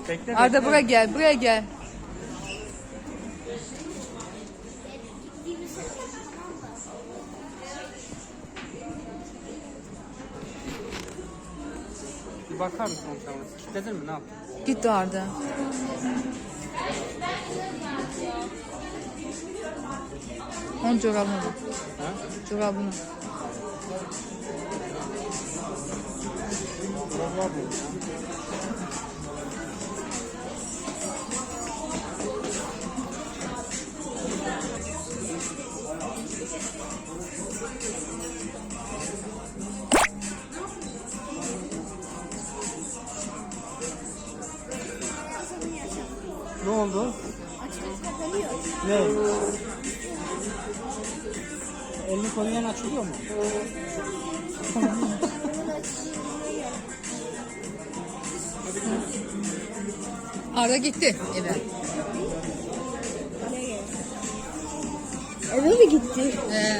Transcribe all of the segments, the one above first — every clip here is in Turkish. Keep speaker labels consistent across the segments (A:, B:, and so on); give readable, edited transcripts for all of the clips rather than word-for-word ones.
A: Bekle,
B: Arda
A: bekle.
B: buraya gel, buraya gel.
A: Bir bakar mısın sana? Kilitledin mi? Ne yaptın?
B: Gitti Arda. Onun çorabını bak.
A: Ha?
B: Çorabını.
A: Vallahi bu. Ne oldu?
C: Açılıp kapanıyor.
A: Ne? Elini koyuyan açılıyor mu?
B: Arda gitti eve.
C: Eve mi gitti?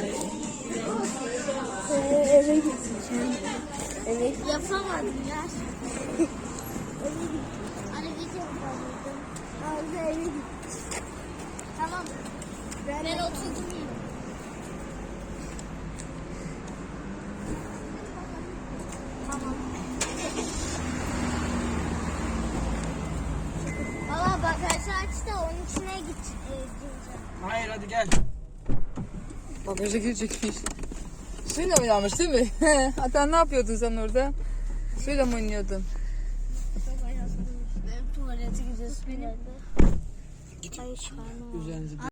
C: Eve gitti. Evet. Yapamadım ya. Eve gitti. Hani git yapamadım. Arda eve gitti. Tamam. Ben oturdum yine. Tamam. Valla bagajı aç da onun içine gireceğim.
A: Hayır, hadi gel.
B: Bagaja girecekmiş. Suyla oynamış değil mi? Hatta ne yapıyordun sen orada? Suyla mı oynuyordun?
C: Benim tuvalete gidiyoruz benim. Hayır çıkarma.
A: Üzerinize